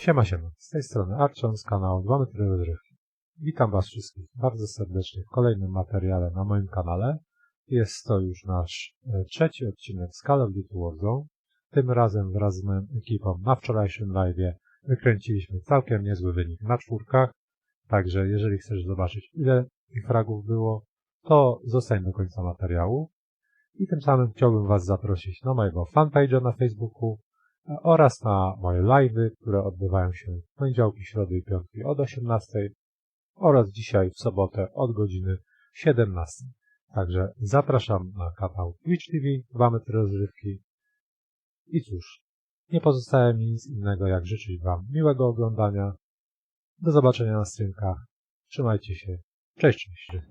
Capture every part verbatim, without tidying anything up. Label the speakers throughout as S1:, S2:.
S1: Siema, siema. Z tej strony Archon z kanału dwa metry rozrywki. Witam Was wszystkich bardzo serdecznie w kolejnym materiale na moim kanale. Jest to już nasz e, trzeci odcinek z Call of Duty Warzone. Tym razem wraz z moją ekipą na wczorajszym live'ie wykręciliśmy całkiem niezły wynik na czwórkach. Także jeżeli chcesz zobaczyć, ile tych fragów było, to zostań do końca materiału. I tym samym chciałbym Was zaprosić na mojego fanpage'a na Facebooku oraz na moje live'y, które odbywają się w poniedziałki, środy i piątki od osiemnastej oraz dzisiaj w sobotę od godziny siedemnastej. Także zapraszam na kanał Twitch T V, dwa metry rozrywki. I cóż, nie pozostaje mi nic innego jak życzyć Wam miłego oglądania. Do zobaczenia na streamkach. Trzymajcie się. Cześć, cześć.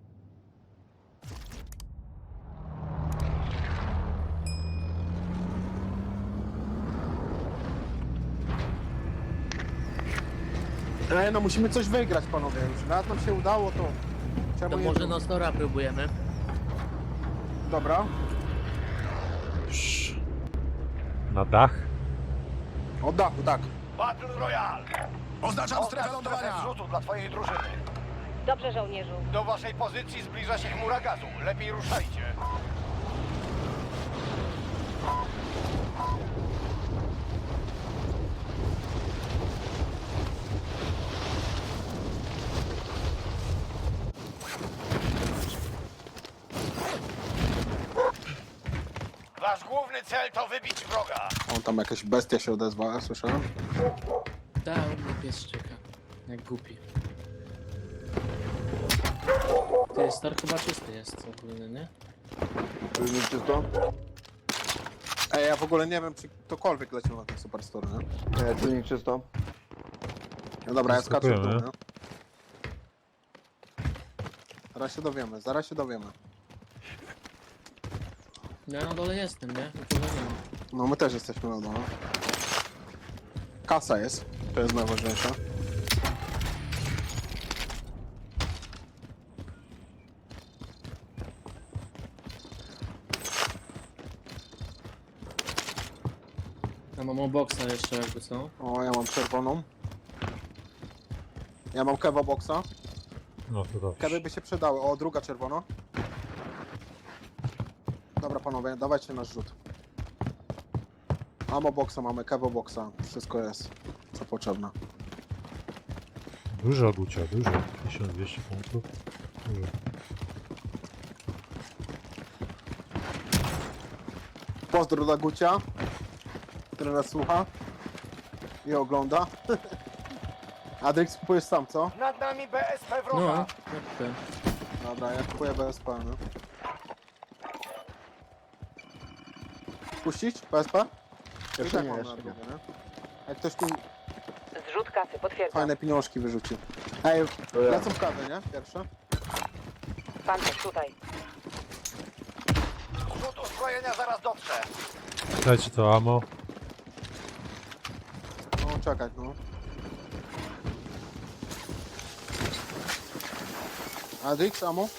S2: Ej, no musimy coś wygrać, panowie. Już raz nam się udało, to... Czemu
S3: To
S2: nie
S3: może
S2: było?
S3: na Stora próbujemy.
S2: Dobra.
S1: Na dach.
S2: Od dachu, tak.
S4: Battle Royale!
S5: Oznaczam strefę lądowania!
S4: zrzutu dla twojej drużyny.
S6: Dobrze, żołnierzu.
S4: Do waszej pozycji zbliża się chmura gazu. Lepiej ruszajcie. Wasz główny cel to wybić wroga.
S2: On tam jakaś bestia się odezwała, słyszałem?
S3: Da, u mnie pies czeka. Jak głupi. Ty, Star chyba czysty jest ogólny, nie?
S5: Czysto?
S2: Ej, ja w ogóle nie wiem, czy ktokolwiek leciał na ten Superstore, nie?
S5: Nie, czujnik czysto.
S2: No dobra, ja skaczę w dół,
S1: Zaskakujemy.
S2: nie? Zaraz się dowiemy, zaraz się dowiemy.
S3: Ja na dole jestem, nie? Nikogo nie ma.
S2: No my też jesteśmy na dole. Kasa jest, to jest najważniejsze.
S3: Ja mam boxa jeszcze jakby co?
S2: O, ja mam czerwoną. Ja mam kewa boxa.
S1: No to dobrze.
S2: Kewy by się przydały. O, druga czerwona. Dobra, panowie, dawajcie nasz rzut. Ammo boxa mamy, kewo boxa. Wszystko jest, co potrzebne.
S1: Dużo Gucia, dużo. tysiąc dwieście punktów. Dużo.
S2: Pozdro dla Gucia, który nas słucha i ogląda. Adrix, kupujesz sam, co?
S4: Nad nami B S P
S3: No,
S4: wroga.
S3: jak ten.
S2: Dobra, ja kupuję B S P, no. Puścić B S P? I tak mam na drogę, nie? Jak ktoś tu
S6: Zrzut kasy, potwierdzam.
S2: fajne pieniążki wyrzuci. Ej,
S5: To ja.
S2: lecą kawy, nie? Pierwsze.
S6: Pan też tutaj.
S4: Zrzut uzbrojenia zaraz dotrze.
S1: Dajcie to ammo.
S2: No, czekać, no. Adrix, ammo?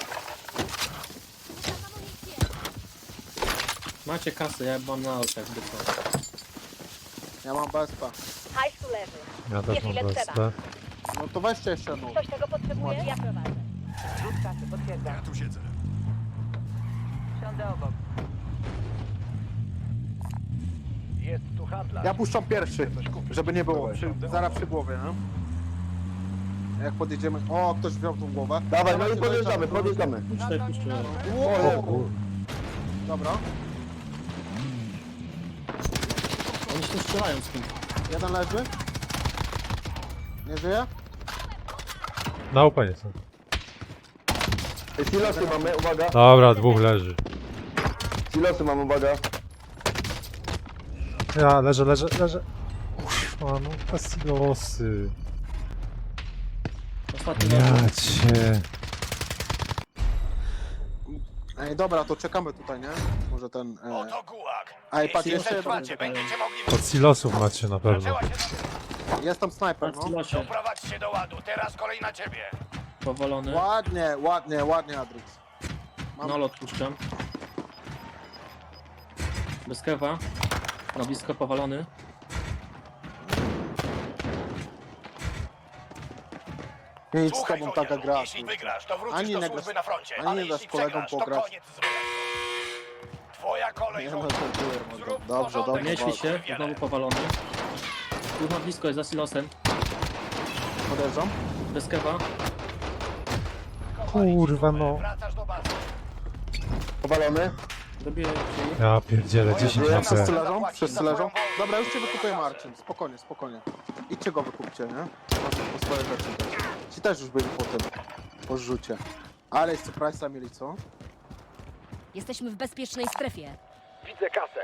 S3: Macie kasę, ja mam na oczach, jakby co.
S2: Ja mam B S P.
S6: Hajs tu leży.
S1: Ja też
S6: Jest
S1: mam
S6: ile
S1: B S
S6: trzeba.
S1: P.
S2: No to weźcie jeszcze jedną.
S6: Ktoś tego potrzebuje? Ja prowadzę. Zrzut kasy, potwierdzam.
S5: Ja tu siedzę.
S6: Siądę obok.
S4: Jest tu handlarz.
S2: Ja puszczam pierwszy, żeby nie było.
S5: Dawaj.
S2: Przy, zaraz przy głowie, no. Jak podjedziemy... O, ktoś wziął tą głowę.
S5: Dawaj, no
S2: Dawajcie,
S5: i podjeżdżamy,
S2: dojeżdżamy.
S5: podjeżdżamy.
S3: Puszczaj, puszczaj.
S1: O kur...
S2: Dobra.
S3: Oni się strzelają z tym.
S2: Jeden leży. Nie żyje?
S1: Na upenie są.
S5: Silosy mamy, uwaga.
S1: Dobra, dwóch leży.
S5: Silosy mamy, uwaga.
S1: Ja leżę, leżę, leżę. Uff, no te silosy.
S3: Ostatni
S1: Ja
S3: raz.
S1: cię.
S2: Ej, dobra, to czekamy tutaj, nie? Może ten... E...
S4: Oto gułag.
S2: Ej, patrz,
S4: Jeśli
S2: jeszcze jeden.
S4: przetrwacie, będziecie mogli
S1: Od
S4: wrócić.
S1: silosów macie na pewno.
S4: Zaczęła się
S2: Jest tam snajper,
S3: Patrz,
S2: no.
S3: silosie.
S4: Doprowadź się do ładu. Teraz kolej na ciebie.
S3: Powolony.
S2: Ładnie, ładnie, ładnie, Adrix. Mam...
S3: Nolot puszczam. Bez kewa. Na blisko powalony.
S2: Nie idź z
S4: Słuchaj,
S2: tobą taka
S4: żołnierzu,
S2: gra.
S4: jeśli wygrasz, to wrócisz
S2: Ani
S4: do
S2: nie
S4: służby
S2: grasz-
S4: na froncie,
S2: ani
S4: ale
S2: nie dasz
S4: jeśli
S2: kolegom
S4: przegrasz, to
S2: pograć.
S4: koniec z wojenką. Twoja kolej,
S2: Nie no,
S4: żołnierzu.
S2: żartuję, mordo.
S4: Zrób
S2: Dobrze,
S4: porządek
S2: dobrze.
S3: Nie śpi
S2: walcz.
S3: się, znowu powalony. Tu na blisko jest za silosem.
S2: Podejrzam.
S3: Bez kewa.
S1: Kurwa, no.
S4: Wracasz do bazy.
S5: Powalony.
S3: Dobiję ci.
S1: Ja pierdzielę, dziesięć
S5: Nie,
S1: na
S2: Wszyscy
S1: C.
S2: leżą? Wszyscy leżą? Dobra, już cię wykupuję, Marcin. Spokojnie, spokojnie. Idźcie go wykupcie, nie? Macie po swoje rzeczy też. Ci też już byli po tym. Po zrzucie. Ale jeszcze Price'a mieli, co?
S7: Jesteśmy w bezpiecznej strefie.
S4: Widzę kasę.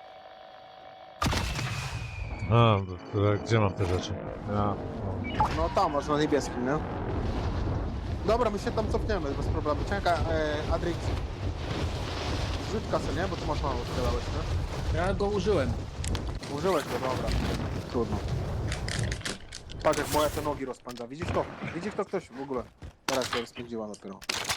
S1: A, to, to, gdzie mam te rzeczy? Ja, no.
S2: No tam, masz na niebieskim, nie? Dobra, my się tam cofniemy, bez problemu. Czekaj, e, Adrix. Rzuć kasę, nie? Bo ty masz mało, strzelałeś, nie?
S3: Ja go użyłem.
S2: Użyłeś go, dobra. Trudno. Patrz jak moja te nogi rozpędza. Widzisz to? Widzisz to ktoś w ogóle? Teraz się rozpędziła dopiero.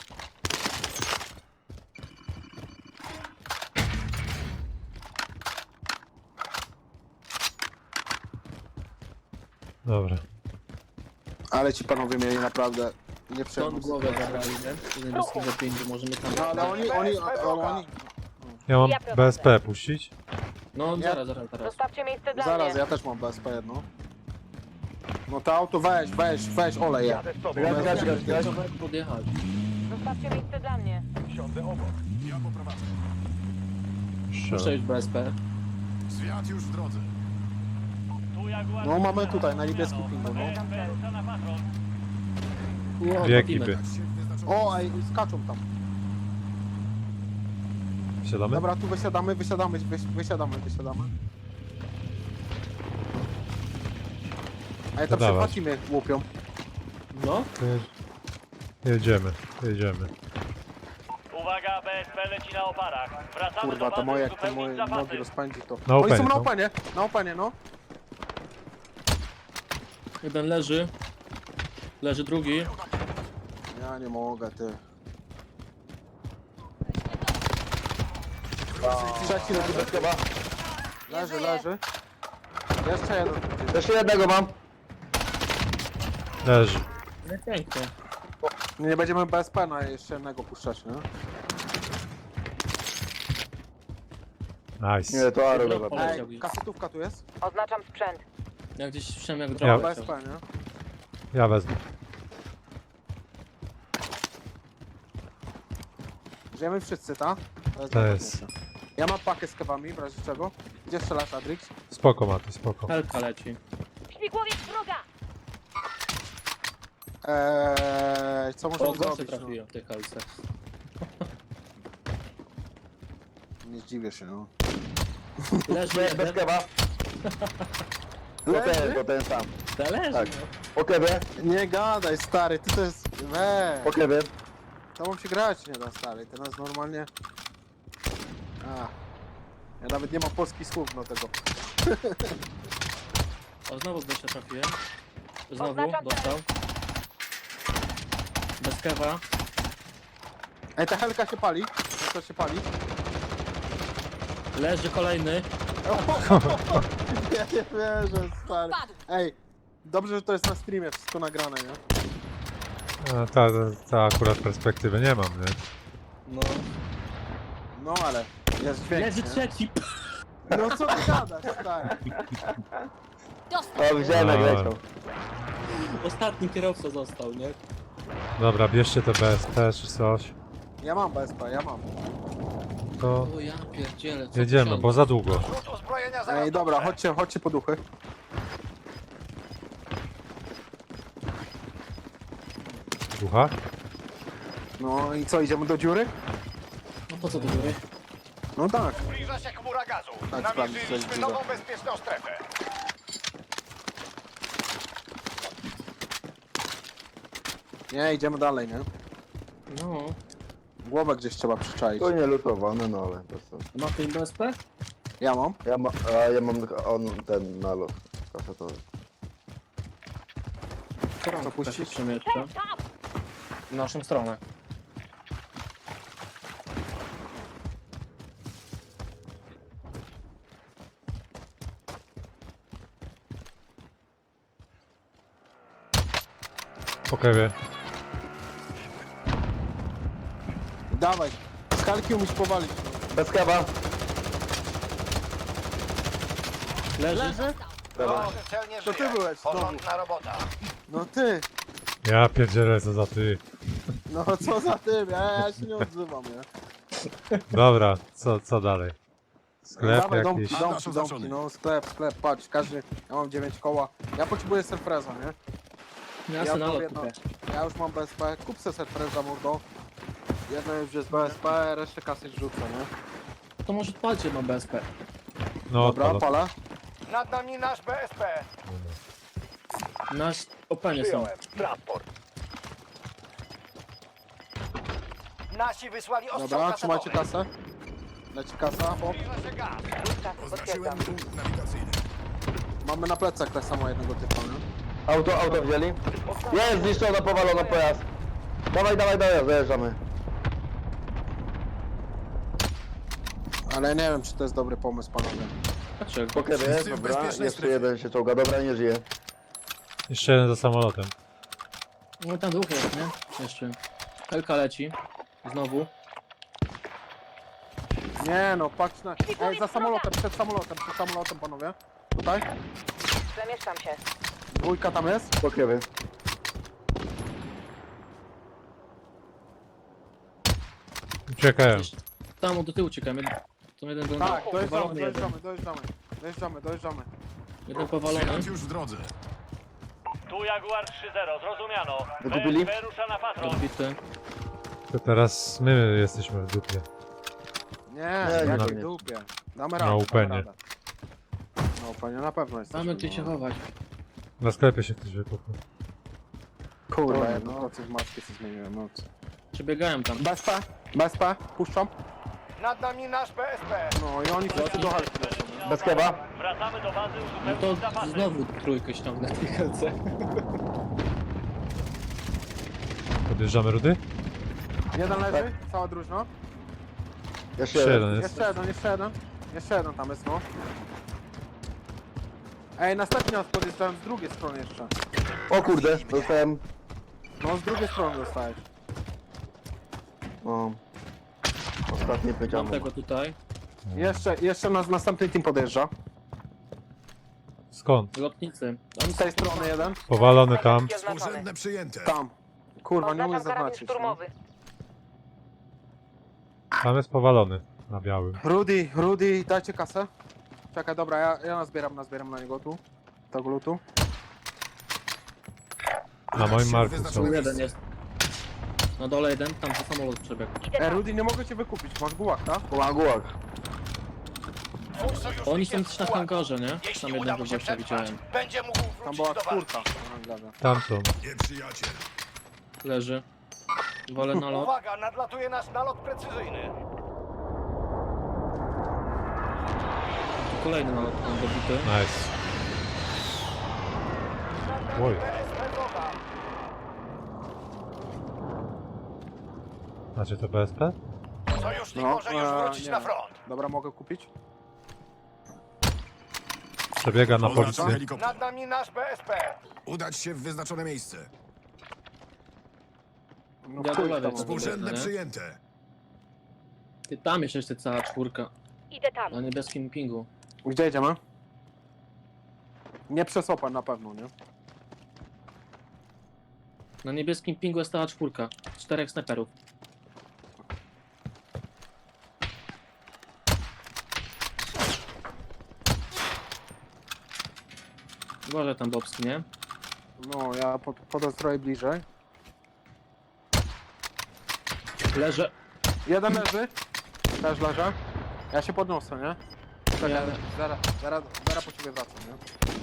S3: Dobra.
S2: Ale ci panowie mieli naprawdę
S3: Stąd
S2: nieprzyjemną
S3: głowę zabrali, nie? Z niebieskiego pięciu możemy tam...
S2: No ale oni, oni, oni, oni...
S1: Ja mam
S6: Ja prowadzę.
S1: B S P puścić?
S3: No
S2: Nie.
S3: zaraz, zaraz, zaraz.
S6: Zostawcie miejsce dla
S2: Zaraz,
S6: mnie.
S2: ja też mam B S P jedno. No to auto weź, weź, weź, olej je.
S4: Jadę z tobą.
S5: Gaz, gaz, gaz, gaz.
S3: Trzeba podjechać.
S6: Zostawcie miejsce dla mnie.
S4: Siądę obok. Ja poprowadzę.
S3: Muszę już B S P.
S4: Zwiat już w drodze.
S2: No mamy tutaj, na niebieskim pingu, no.
S3: Ło,
S1: Dwie
S3: topimy.
S1: ekipy.
S2: O, ej, skaczą tam.
S1: Siadamy?
S2: Dobra, tu wysiadamy, wysiadamy, wyś, wysiadamy, wysiadamy. Ej, tam się
S1: Dawać.
S2: dwa teamy łupią.
S3: No,
S1: To je- Jedziemy, jedziemy.
S8: Uwaga, B S P leci na oparach. Wracamy
S2: Kurwa,
S8: do
S2: to
S8: bazy
S2: moje, jak te
S8: uzupełnić
S2: moje
S8: zapasy.
S2: nogi rozpędzi to.
S1: Na
S2: Oni
S1: openie,
S2: są na
S1: no.
S2: openie, na openie, no.
S3: jeden leży. Leży drugi.
S2: Ja nie mogę, ty. Trzeci leży bez chyba. Leży, leży. Jeszcze jeden.
S5: Jeszcze jednego mam.
S1: Leży.
S3: No pięknie.
S2: Nie będziemy B S P na jeszcze jednego puszczać, nie?
S1: Nice.
S5: Nie, to Aro
S3: Dobra,
S5: dobra.
S3: poleciał
S2: Ej,
S3: gdzieś.
S2: kasetówka tu jest?
S6: Oznaczam sprzęt.
S3: Ja gdzieś słyszałem jak
S1: Ja-
S3: drogę
S2: B S P, nie?
S1: Ja wezmę.
S2: Żyjemy wszyscy, ta? jest
S1: To jest.
S2: najważniejsze. Ja mam pakę z kewami, w razie czego. Gdzie strzelasz, Adrix?
S1: Spoko, Maty, spoko.
S3: Helka leci.
S6: Śmigłowiec wroga!
S2: Eee, co
S3: O,
S2: możemy
S3: zawsze
S2: zrobić? No?
S3: trafiłem w tej helce.
S2: Nie zdziwię się, no.
S3: Leży
S5: Bez, bez
S3: jeden.
S5: kewa. To ten, to ten sam.
S3: Ta leży,
S5: Tak.
S3: no.
S5: Po kewie,
S2: Nie gadaj, stary, ty to jest... Weee,
S5: po kewie.
S2: to mam się grać nie da, stary. Ty nas normalnie... A. Ja nawet nie mam polskich słów do tego.
S3: O, znowu z gościa trafiłem. Znowu,
S6: Oznaczam
S3: dostał. Bez kewa.
S2: Ej, ta helka się pali. To się pali.
S3: Leży kolejny.
S2: Ja nie wierzę, stary. Ej, dobrze, że to jest na streamie, wszystko nagrane, nie?
S1: A, ta, ta, ta akurat perspektywy nie mam, nie?
S3: No.
S2: No ale jest dźwięk,
S3: Leży
S2: nie?
S3: trzeci.
S2: No co ty gadasz, stary?
S5: O, widziałem jak
S1: A.
S5: leciał.
S3: Ostatni kierowca został, nie?
S1: Dobra, bierzcie te B S P czy coś.
S2: Ja mam B S P, ja mam.
S1: To
S3: O ja pierdzielę, co
S1: jedziemy,
S3: tysiąc.
S1: bo za długo.
S4: Rzut uzbrojenia zaraz
S2: Ej, dobra,
S4: dobrze.
S2: chodźcie, chodźcie po duchy.
S1: Ducha?
S2: No i co, idziemy do dziury?
S3: No po co do góry?
S2: No tak.
S4: Zbliża się chmura gazu.
S2: Tak, sprawdź, co
S4: Namierzyliśmy
S2: jest
S4: nową
S2: dziura.
S4: bezpieczną strefę.
S2: Nie, idziemy dalej, nie?
S3: No.
S2: Głowę gdzieś trzeba przyczaić.
S5: To nie lutowane, no ale to są.
S3: Ma ktoś B S P?
S2: Ja mam.
S5: Ja, ma, a ja mam on, ten nalot kasetowy.
S3: Co
S2: puścić?
S3: Przemieszcza. W naszą stronę.
S1: Po kewie.
S2: Dawaj. Skalki umieć powalić.
S5: Bez kawa.
S3: Leży.
S2: Leży?
S4: Główny cel nie
S2: To ty
S4: żyje.
S2: byłeś, znowu.
S4: Porządna robota.
S2: No ty.
S1: Ja pierdzielę, co za ty.
S2: No co za tym? Ja, ja się nie odzywam, nie?
S1: Dobra, co, co dalej? Sklep
S2: Dawaj,
S1: jakiś.
S2: domki, domki, domki, no sklep, sklep, patrz, każdy, ja mam dziewięć koła. Ja potrzebuję surpreza, nie?
S3: Ja
S2: Ja
S3: sobie na
S2: mam
S3: lot
S2: jedno-
S3: kupię.
S2: Ja już mam B S P, kup se surpreza, mordo. Jedno już jest B S P, resztę kasy rzucę, nie?
S3: To może odpalcie mam B S P.
S1: No,
S2: Dobra,
S1: odpala.
S2: pala.
S4: Nad nami nasz B S P.
S3: Nasz openie są.
S4: Przyjąłem. Transport. Nasi wysłali ostrzał
S2: Dobra,
S4: kasetowy.
S2: trzymajcie kasę. Leci kasa, hop.
S4: Zbliża się gaz.
S6: Rzut kasy potwierdzam.
S2: Mamy na plecach tak samo jednego typa, nie?
S5: Auto, auto wzięli. Jest zniszczona, powalona pojazd. Dawaj, dawaj, dawaj, zajeżdżamy.
S2: Ale nie wiem, czy to jest dobry pomysł, panowie.
S3: Patrzę,
S5: Po kewie jest, dobra. Jeszcze jeden się czołga, dobra, nie żyje.
S1: Jeszcze jeden za samolotem.
S3: no tam dwóch jest, nie? Jeszcze. Helka leci. Znowu.
S2: Nie no, patrz na... Ej, za samolotem, przed samolotem, przed samolotem, panowie. Tutaj.
S6: Przemieszczam się.
S2: Dwójka tam jest.
S5: Po kewie.
S1: Uciekają.
S3: Jeszcze. Tam do tyłu uciekamy. To jeden był
S2: Tak, dojeżdżamy,
S3: powalony jeden.
S2: dojeżdżamy, dojeżdżamy. Dojeżdżamy, dojeżdżamy.
S3: Jeden powalony.
S8: Tu Jaguar trzy zero, zrozumiano.
S5: Wykupili?
S8: B S P rusza na patrol.
S3: Odbity.
S1: To teraz my jesteśmy w dupie.
S2: Nie,
S5: Nie,
S2: jak
S1: nie,
S2: w
S5: nie.
S2: dupie. Damy
S1: Na
S2: radę, damy
S1: upenie.
S2: radę. Na upenie na pewno jesteśmy.
S3: Mamy gdzie się
S2: no.
S3: chować.
S1: Na sklepie się ktoś wykupił.
S2: Kurwa, jedno kocy w maskę się zmieniłem, no co.
S3: Przebiegają tam.
S2: B S P, B S P, puszczam.
S4: Nad nami nasz B S P.
S2: No i oni wszyscy do halki lecą.
S5: Bez kewa.
S8: Wracamy do bazy
S3: No
S8: uzupełnić
S3: to
S8: zapasy.
S3: znowu trójkę ściągnę w tej helce.
S1: Podjeżdżamy rudy?
S2: Jeden leży, cała drużyna.
S5: Jeszcze
S1: Jeszcze
S5: jeden.
S1: jeden jest.
S2: Jeszcze jeden, jeszcze jeden. Jeszcze jeden tam jest, no. Ej, następnie nas podjeżdżają z drugiej strony jeszcze.
S5: O kurde, dostałem.
S2: No, z drugiej strony dostałeś.
S5: No. Ostatnie
S3: Mam
S5: pyciamo.
S3: tego tutaj.
S2: Jeszcze, jeszcze nas następny team podjeżdża.
S1: Skąd?
S3: Lotnicy. Oni
S2: Z tej strony jeden.
S1: Powalony tam.
S6: Oznaczony.
S2: Tam. Kurwa, nie umiem
S6: Oznaczam karabin
S2: zaznaczyć. No.
S6: szturmowy.
S1: Tam jest powalony. Na białym.
S2: Rudy, Rudy, dajcie kasę. Czekaj, dobra, ja, ja nazbieram, nazbieram na niego tu. Tego lutu.
S1: Na moim marku są.
S3: Tu jeden jest. Na dole jeden, tam za samolot przebiegł.
S6: Idę
S2: Ej,
S6: tam.
S2: Rudy, nie mogę cię wykupić, masz gułak, tak?
S5: Gułak, gułak.
S4: Twój sojusznik
S3: Oni są
S4: jest
S3: też na
S4: w pułapce.
S3: hangarze, nie? Tam
S4: Jeśli uda
S3: jednego
S4: mu się
S3: gościa
S4: przetrwać,
S3: widziałem.
S4: będzie mógł
S2: Tam
S4: wrócić
S2: była
S4: do
S2: czwórka.
S4: walki.
S2: na hangarze.
S1: Tam są.
S3: Leży. Wolę na lot.
S4: Uwaga, nadlatuje nasz nalot precyzyjny.
S3: Kolejny na lot tam dobity.
S1: Nice. Oj.
S4: B S P wroga.
S1: Macie to B S P?
S4: Sojusznik
S2: No,
S4: może już
S2: e,
S4: wrócić
S2: nie.
S4: na front.
S2: Dobra, mogę kupić?
S1: Przebiega na policję.
S4: Nad nami nasz B S P.
S9: Udać się w wyznaczone miejsce.
S2: No,
S3: Ja do
S2: chuj
S3: lewej
S2: tam.
S3: sobie
S9: Urzędne
S3: biegnę, nie?
S9: przyjęte.
S3: Ty, tam jest jeszcze cała czwórka.
S6: Idę tam.
S3: Na niebieskim pingu.
S2: Gdzie jedziemy? Nie przez open na pewno, nie?
S3: Na niebieskim pingu jest cała czwórka. Czterech snajperów. Uważaj tam Bobski, nie?
S2: No, ja pod, podostroję bliżej.
S3: Leżę.
S2: Jeden leży. Też leży. Ja się podniosę, nie? Czekaj,
S3: Jadę.
S2: zaraz, zaraz, zaraz po ciebie wracam, nie?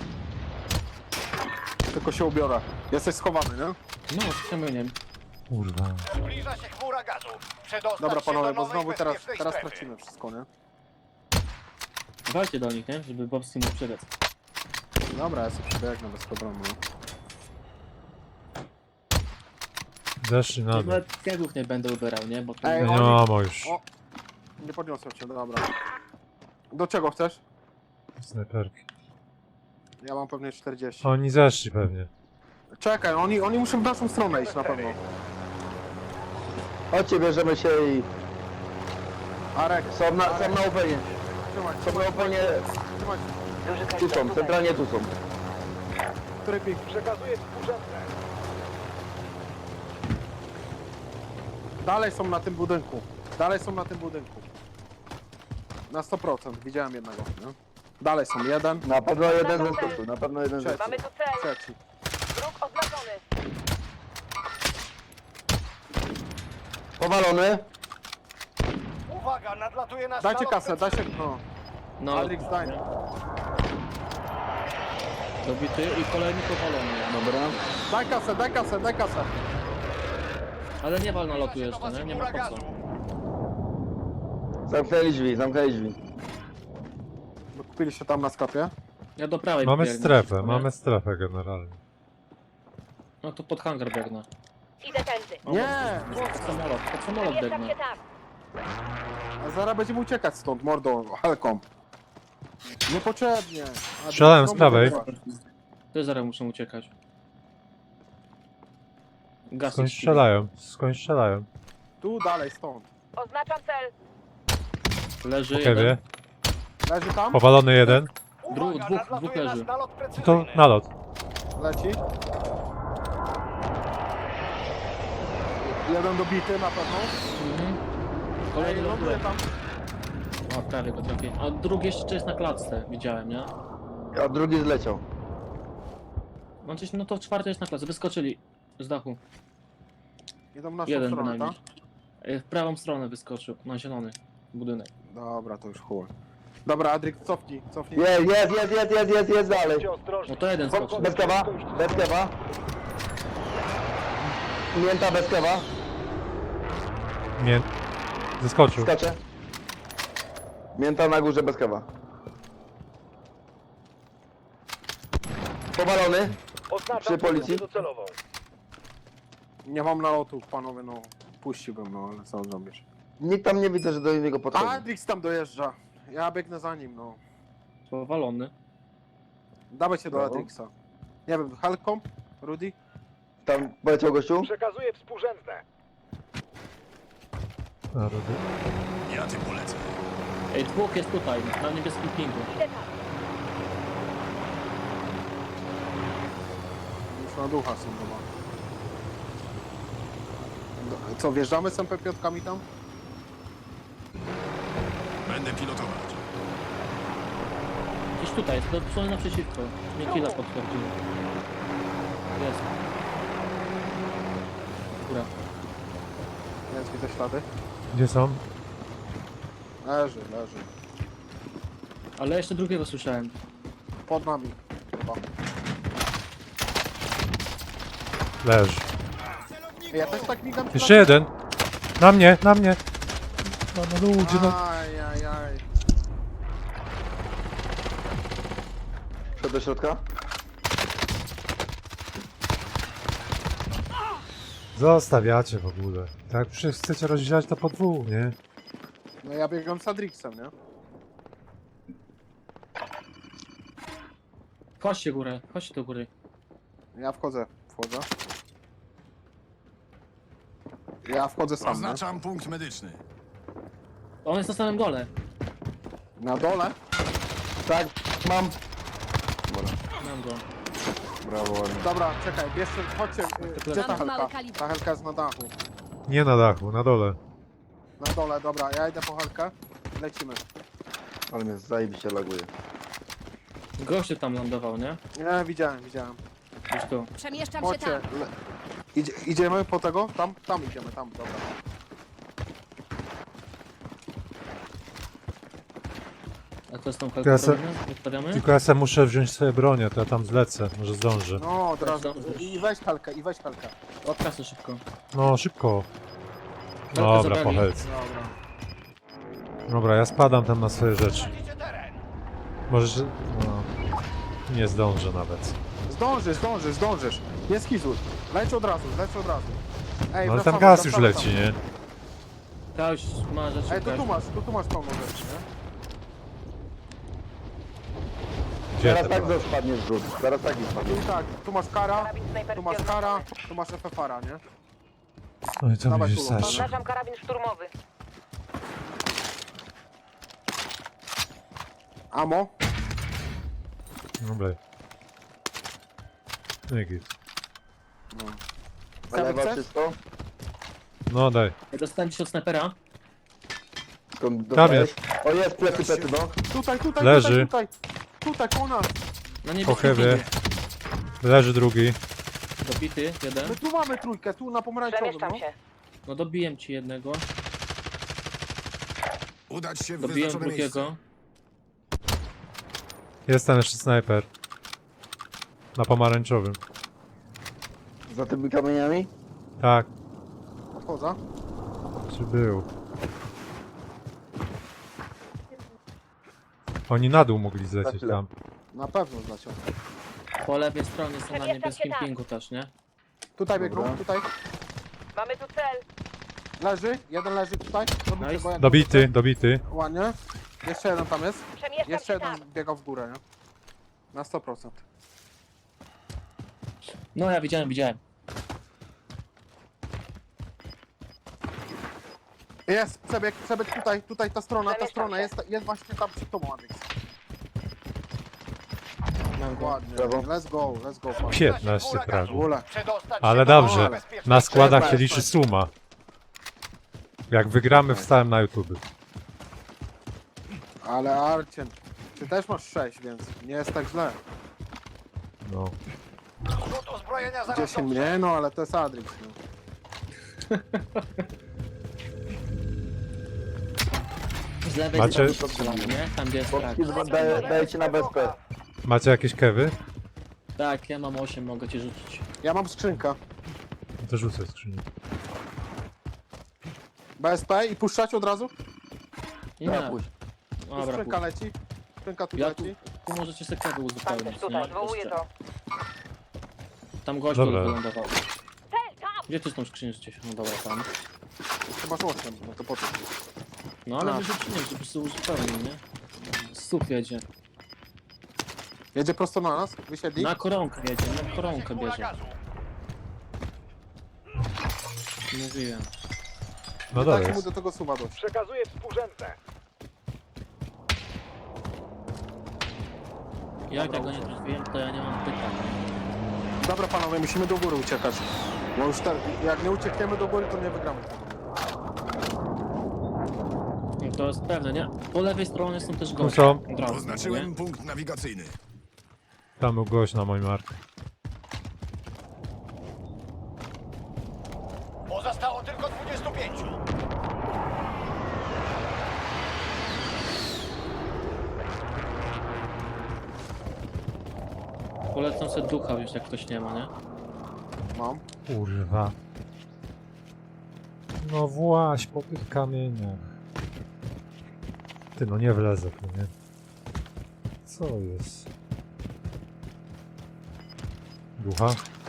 S2: Tylko się ubiorę. Jesteś schowany, nie?
S3: No, z kamieniem.
S1: Kurwa.
S4: Zbliża się chmura gazu. Przedostać
S2: Dobra
S4: się
S2: panowie,
S4: do
S2: bo
S4: nowej
S2: znowu teraz,
S4: bezpiecznej
S2: teraz
S4: strefy.
S2: tracimy wszystko, nie?
S3: Walcie do nich, nie? Żeby Bobski mógł przebiec.
S2: Dobra, ja sobie przebiegnę bez problemu, no.
S1: Zeszli na dół.
S3: Nawet kegów nie będę ubierał, nie? Bo to
S2: Ej,
S1: Ja nie
S2: oni-
S1: mam ammo już.
S2: O! Nie podniosłem cię, dobra. Do czego chcesz?
S1: Snajperki.
S2: Ja mam pewnie czterdzieści.
S1: Oni zeszli pewnie.
S2: Czekaj, oni, oni muszą w naszą stronę iść na pewno.
S5: Chodźcie, bierzemy się i...
S2: Arek,
S5: Są na, są na openie.
S2: trzymaj,
S5: Są na openie...
S2: trzymaj.
S6: Duży
S5: Tu
S6: kaliber
S5: są,
S6: tutaj.
S5: centralnie tu są.
S2: Który pik?
S4: Przekazuję współrzędne.
S2: Dalej są na tym budynku. Dalej są na tym budynku. Na sto procent, widziałem jednego. Nie? Dalej są, jeden,
S5: Na pewno jeden zeskoczył, na pewno jeden zeskoczył.
S6: Mamy tu cel.
S2: trzeci.
S6: Wróg oznaczony.
S5: Powalony.
S4: Uwaga, nadlatuje nasz
S2: Dajcie
S4: nalot
S2: kasę, dajcie, no.
S3: No,
S2: Adrix, daj.
S3: dobity i kolejny powalony. Dobra.
S2: Daj kasę, daj kasę, daj kasę.
S3: Ale nie wal na lotu
S4: Zbliża się do
S3: jeszcze,
S4: was
S3: nie? Nie ma
S4: chmura
S3: po co.
S4: gazu.
S5: Zamknęli drzwi, zamknęli drzwi.
S2: Kupiliście tam na sklepie?
S3: Ja do prawej
S1: Mamy
S3: biegnę
S1: strefę,
S3: szybko, nie?
S1: mamy strefę generalnie.
S3: No to pod hangar biegnę.
S6: Idę tędy.
S3: O,
S2: Nie!
S3: Pod samolot, pod samolot
S6: Zamieszczam
S3: biegnę.
S6: się tam.
S2: A zaraz będziemy uciekać stąd, mordo, helką. Niepotrzebnie. A
S1: Strzelałem
S2: znowu
S1: z prawej.
S2: wygrywasz.
S3: Ty zaraz muszę uciekać. Gaz
S1: Skąd strzelają? Skąd strzelają?
S2: Tu dalej, stąd.
S6: Oznaczam cel.
S3: Leży
S1: Po
S3: jeden.
S1: kewie.
S2: Leży tam?
S1: Powalony jeden.
S3: Dru-
S4: Uwaga,
S3: dwóch-
S4: nadlatuje
S3: dwóch
S4: nasz
S3: leży.
S4: nalot
S1: To
S4: precyzyjny.
S1: nalot.
S2: Leci. Jeden dobity na pewno.
S3: Mhm.
S2: Ej,
S3: Kolejny
S2: ląduje
S3: ląduje.
S2: tam.
S3: O, prawie go trafiłem. A drugi jeszcze jest na klatce, widziałem, nie?
S5: A drugi zleciał.
S3: No, coś, no to czwarty jest na klatce, wyskoczyli z dachu.
S2: Idą w naszą
S3: Jeden
S2: stronę,
S3: bynajmniej.
S2: tak?
S3: E, W prawą stronę wyskoczył, na zielony budynek.
S2: Dobra, to już chuj. Dobra, Adrik, cofnij, cofnij.
S5: Jest, jest, jest, jest, jest, jest, jest dalej.
S3: No to jeden skoczył.
S5: Bez kewa, bez kewa. Mięta bez kewa.
S1: Nie. Zeskoczył.
S5: Skacze. Mięta na górze bez kewa. Powalony. Przy policji.
S4: docelową.
S2: Nie mam nalotu, panowie, no. Puściłbym, no, ale co zrobisz?
S5: Nikt tam nie widzę, że do niego podchodzi.
S2: Adrix tam dojeżdża. Ja biegnę za nim, no.
S3: Powalony.
S2: Dawaj się do
S5: Brawo.
S2: Adrixa. Nie wiem, helką? Rudy?
S5: Tam poleciał gościu.
S4: Przekazuję współrzędne.
S1: A, robię.
S9: Ja tym polecę.
S3: Ej, dwóch jest tutaj, na niebieskim pingu.
S6: Idę tam.
S2: Już na ducha są chyba. Do- Co, wjeżdżamy z M P pięć tam?
S9: Będę pilotować.
S3: Gdzieś tutaj, jest dosłownie naprzeciwko. Nie killa potwierdził. Jest. Góra.
S2: Jest, widzę ślady.
S1: Gdzie są?
S2: Leży, leży.
S3: Ale jeszcze drugiego słyszałem.
S2: Pod nami. Chyba.
S1: Leży.
S2: Ja też tak migam.
S1: Jeszcze jeden. Na mnie, na mnie. No, no ludzie, no.
S2: Aj, aj, aj.
S5: Wszedł do środka.
S1: Zostawiacie w ogóle. Tak, przecież chcecie rozdzielać to po dwóch, nie?
S2: No ja biegam z Adrixem, nie?
S3: Chodźcie górę, chodźcie do góry.
S2: Ja wchodzę, wchodzę. Ja wchodzę sam, nie?
S9: Oznaczam punkt medyczny.
S3: On jest na samym dole.
S2: Na dole?
S5: Tak, mam.
S3: Mam go.
S5: Brawo, ładnie.
S2: Dobra, czekaj, bierzcie, chodźcie. y, Gdzie ta
S7: Mam
S2: helka?
S7: mały kaliber.
S2: Ta helka jest na dachu.
S1: Nie na dachu, na dole.
S2: Na dole, dobra, ja idę po helkę. Lecimy.
S5: Ale mnie zajebiście laguje.
S3: Gościu tam lądował, nie?
S2: Nie, widziałem, widziałem.
S3: Gdzieś tu.
S7: Przemieszczam się
S2: Chodźcie.
S7: tam.
S2: Le... Idzie, idziemy po tego? Tam? Tam idziemy, tam, dobra.
S3: A to jest tą
S1: Ja se-
S3: kalkulę, wystawiamy?
S1: Tylko ja sobie muszę wziąć sobie bronię, to ja tam zlecę. Może zdążę.
S2: No, od razu.
S3: Dobrze.
S2: I weź helkę, i weź helkę.
S3: Od kasy szybko.
S1: No, szybko.
S3: Helkę
S1: Dobra,
S3: zabrali.
S1: po helce.
S2: Dobra.
S1: Dobra, ja spadam tam na swoje rzeczy.
S4: Tracicie teren.
S1: Może... że- No, nie zdążę nawet.
S2: Zdążysz, zdążysz, zdążysz. Nie skizuj. Leć od razu, leć od razu. Ej,
S1: No ale tam
S2: wracamy,
S1: gaz już
S2: wracamy
S1: leci,
S2: tam.
S1: nie?
S3: Ta już ma rzeczy.
S2: Ej, to tu
S3: każdy.
S2: masz, tu, tu masz pełno rzeczy, nie?
S1: Gdzie
S5: Teraz
S1: te
S5: tak
S1: broń?
S5: spadnie zrzut. Teraz tak i spadnie.
S2: I tak, tu masz kara,
S6: Karabin snajperski
S2: tu masz kara,
S6: oznaczony.
S2: tu masz F F R-a, nie?
S1: No i co
S2: Dawaj
S1: mi
S2: tu,
S1: wystarczy?
S6: Oznaczam karabin szturmowy.
S2: Amo?
S1: Dobra. No i git.
S2: Chcemy,
S5: Lewa
S2: chcesz?
S5: czysto.
S1: No daj.
S3: Ja dostałem ci od snajpera.
S5: Skąd
S1: Tam
S5: dostałeś?
S1: jest.
S5: O, jest plecy, plecy, no.
S2: Tutaj, tutaj,
S1: Leży.
S2: tutaj, tutaj, tutaj, koło nas.
S3: Na
S1: Po
S3: niebieskim
S1: hewie.
S3: pingu.
S1: Leży drugi.
S3: Dobity, jeden.
S2: My tu mamy trójkę, tu na pomarańczowym,
S6: Przemieszczam
S2: no.
S6: się.
S3: No dobiłem ci jednego.
S9: Udać się w
S3: Dobiłem
S9: wyznaczone miejsce.
S3: drugiego.
S1: Jest tam jeszcze snajper. Na pomarańczowym.
S5: Za tymi kamieniami?
S1: Tak.
S2: Odchodzę.
S1: Czy był? Oni na dół mogli zlecieć
S5: chwilę.
S1: tam.
S2: Na pewno zleciał.
S3: Po lewej stronie są na
S6: Przemieszczam
S3: niebieskim
S6: się tam.
S3: pingu też, nie?
S2: Tutaj biegną,
S5: Dobra.
S2: tutaj.
S6: Mamy tu cel.
S2: Leży, jeden leży tutaj. Robicie
S3: Nice.
S2: go jak
S1: Dobity,
S2: możecie.
S1: dobity.
S2: Ładnie. Jeszcze jeden tam jest.
S6: Przemieszczam
S2: Jeszcze
S6: się
S2: jeden
S6: tam.
S2: biegał w górę, nie? Na sto procent.
S3: No ja widziałem, widziałem.
S2: Jest, przebieg, przebieg tutaj, tutaj ta strona, ta
S6: Przemieszczam
S2: strona,
S6: się.
S2: jest, jest właśnie tam przed tobą, Adix.
S3: Mam go.
S2: Ładnie,
S5: Brawo.
S2: let's go, let's go, panie.
S1: piętnaście
S2: W
S1: fragów.
S2: ogóle.
S4: Przedostać
S1: Ale
S4: się do
S1: dobrze.
S4: bezpiecznej
S1: Na składach się
S2: Trzeba.
S1: liczy suma. Jak wygramy, wstałem na YouTube.
S2: Ale Arcien, ty też masz sześć, więc nie jest tak źle.
S1: No.
S4: Rzut uzbrojenia zaraz
S2: dziesięć
S4: dotrze.
S2: mniej, no ale to jest Adrix. No.
S3: Z lewej
S1: Macie-
S3: strony strzelam, nie? Tam gdzie jest frak.
S5: Boxki daję, daję ci na bezpę.
S1: Macie jakieś kewy?
S3: Tak, ja mam osiem, mogę ci rzucić.
S2: Ja mam skrzynkę.
S1: No to rzucę skrzynię.
S2: B S P i puszczać od razu?
S3: Nie,
S5: Dobra, pójdź.
S2: Tu
S3: dobra,
S2: skrzynka
S3: pójdź.
S2: leci. Skrzynka tu
S3: Ja tu,
S2: leci.
S3: tu możecie sobie kawy
S6: Pan
S3: uzupełnić,
S6: też tutaj,
S3: nie?
S6: zwołuję
S3: Jeszcze.
S6: to.
S3: Tam gościu
S1: Dobra.
S3: wylądował.
S6: Cel, tam!
S3: Gdzie ty z tą skrzynią gdzieś? No dobra, tam.
S2: Chyba z osiem, no to po co?
S3: No ale
S2: A.
S3: wyrzuciłem, żeby sobie uzupełnił, nie? Stóp jedzie.
S2: Jedzie prosto na nas, wysiedli.
S3: Na koronkę jedzie, na koronkę
S4: Chmura
S3: bierze.
S4: gazu.
S3: Mówiłem.
S1: No
S2: Dajcie
S1: dobra.
S2: mu do tego suwa dość.
S4: Przekazuję współrzędne.
S3: Jak ja go nie trafiłem, to ja nie mam pytań.
S2: Dobra panowie, musimy do góry uciekać. Bo już te, jak nie uciekniemy do góry, to nie wygramy.
S3: No to jest pewne, nie? Po lewej stronie są też
S1: Tu
S3: goście.
S1: są.
S3: Od razu,
S9: Oznaczyłem
S3: nie?
S9: punkt nawigacyjny.
S1: Tam był gość na moim marku.
S4: Pozostało tylko dwudziestu pięciu.
S3: Polecam sobie ducha już, jak ktoś nie ma, nie?
S2: Mam.
S1: Kurwa. No właś po tych kamieniach. Ty no nie wlezę tu, nie? Co jest? Ducha?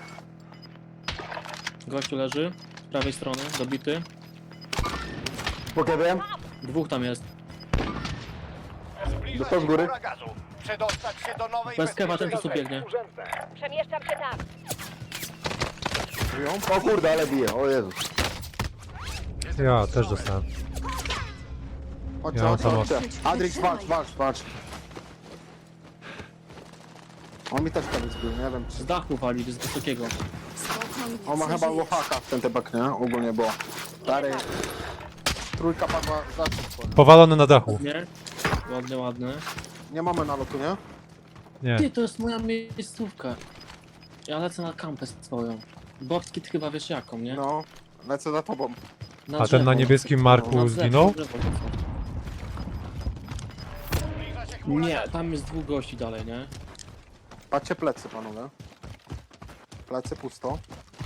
S3: Gościu leży, z prawej strony, dobity.
S5: Pokażę.
S3: Dwóch tam jest.
S4: Zbliża
S5: Dostał z
S4: się
S5: góry.
S4: chmura gazu. Przedostać się do nowej
S3: Bez kewa ten
S4: bezpiecznej
S3: tu biegnie.
S4: współrzędne.
S6: Przemieszczam się tam.
S2: Żyją?
S5: O kurde, ale bije, o Jezus.
S1: Ja też dostałem.
S2: Chodźcie,
S1: Ja mam
S2: chodźcie,
S1: tam
S2: chodźcie. Adrix, walcz, walcz, walcz. On mi też kiedyś był, nie wiem czy...
S3: Z dachu wali, z wysokiego.
S2: On ma chyba lohaka w ten tebak, nie? Ogólnie było. Stary... Trójka padła za szybko, nie?
S1: Powalony na dachu.
S3: Nie? Ładny, ładny.
S2: Nie mamy nalotu, nie?
S1: Nie.
S3: Ty, to jest moja miejscówka. Ja lecę na kampę swoją. Bobski ty chyba wiesz jaką, nie?
S2: No. Lecę za tobą.
S3: Na
S1: A ten
S3: drzewo.
S1: na niebieskim
S3: Na
S1: marku
S3: drzewo,
S1: zginął?
S3: drzewo lecę.
S4: Zbliża się chmura
S3: Nie,
S4: gazu.
S3: tam jest dwóch gości dalej, nie?
S2: Patrzcie plecy, panowie. Plecy pusto.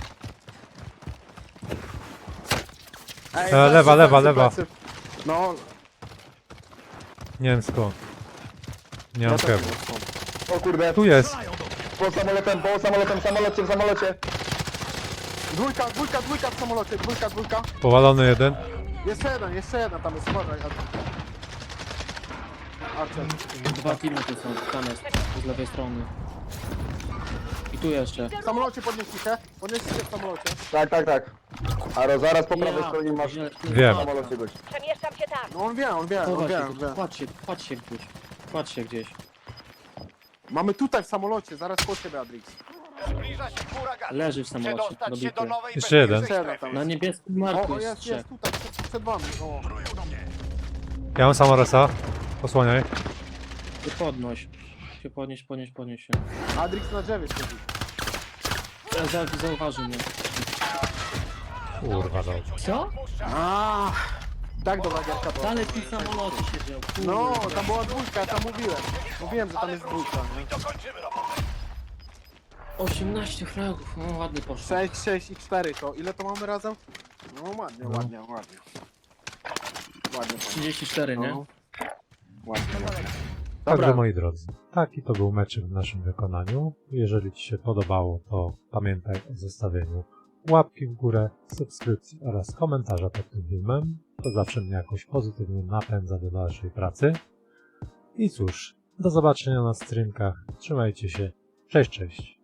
S2: Ej,
S1: E,
S2: plecy,
S1: lewa, lewa,
S2: plecy,
S1: lewa.
S2: plecy. No,
S1: Nie wiem skąd. Nie
S2: ja
S1: mam
S2: też
S1: kewu.
S2: nie wiem skąd.
S5: O kurde.
S1: Tu jest!
S5: Po samolotem, po samolotem, samolocie, w samolocie.
S2: Dwójka, dwójka, dwójka w samolocie, dwójka, dwójka.
S1: Powalony jeden.
S2: Jeszcze jeden, jeszcze jeden tam jest, uważaj. Archer.
S3: Dwa teamy tu są, tam jest, z lewej strony. I tu jeszcze.
S2: W samolocie podnieśli się. Podnieśli się w samolocie.
S5: Tak, tak, tak. Aro, zaraz po prawej
S3: Ja,
S5: stronie masz
S3: źle-
S1: Wiem.
S5: w samolocie gość.
S6: Przemieszczam się tam.
S2: No on wie, on wie, on
S3: Chowa
S2: wie,
S3: się,
S2: on
S3: tu,
S2: wie.
S3: kładź się, kładź się gdzieś. Kładź się gdzieś.
S2: Mamy tutaj w samolocie, zaraz po ciebie, Adrix.
S4: Zbliża się huragan.
S3: Leży w samolocie,
S4: Przedostać się
S3: dobity.
S4: do nowej
S1: Jeszcze jeden.
S4: bezpiecznej
S2: Jeszcze jeden
S4: strefy.
S2: tam
S3: Na
S2: jest.
S3: niebieskim
S2: O,
S3: marku
S2: o
S3: jest
S2: jest,
S3: trzech.
S2: jest tutaj, przed, przed wami. O.
S1: Ja mam samoresa. Posłaniaj.
S3: Ty podnoś. Się podnieś, podnieś, podnieś się.
S2: Adrix na drzewie siedzi.
S3: E, Za, zauważy mnie.
S1: Kurwa, dobrze.
S3: Co?
S2: A, tak dobra gierka była.
S3: Dalej w tym samolocie siedział. kurde.
S2: No, tam była dwójka, ja tam mówiłem. Mówiłem, że tam jest dwójka, nie?
S4: Dokończymy robotę.
S3: osiemnaście fragów, no ładny poszło.
S2: sześć, sześć i cztery to. Ile to mamy razem? No ładnie,
S1: No.
S2: ładnie, ładnie. Ładnie, ładnie.
S3: trzydzieści cztery, nie?
S2: No. Ładnie, ładnie.
S1: Także
S2: Dobra,
S1: moi drodzy, taki to był meczek w naszym wykonaniu. Jeżeli Ci się podobało, to pamiętaj o zostawieniu łapki w górę, subskrypcji oraz komentarza pod tym filmem. To zawsze mnie jakoś pozytywnie napędza do dalszej pracy. I cóż, do zobaczenia na streamkach. Trzymajcie się. Cześć, cześć.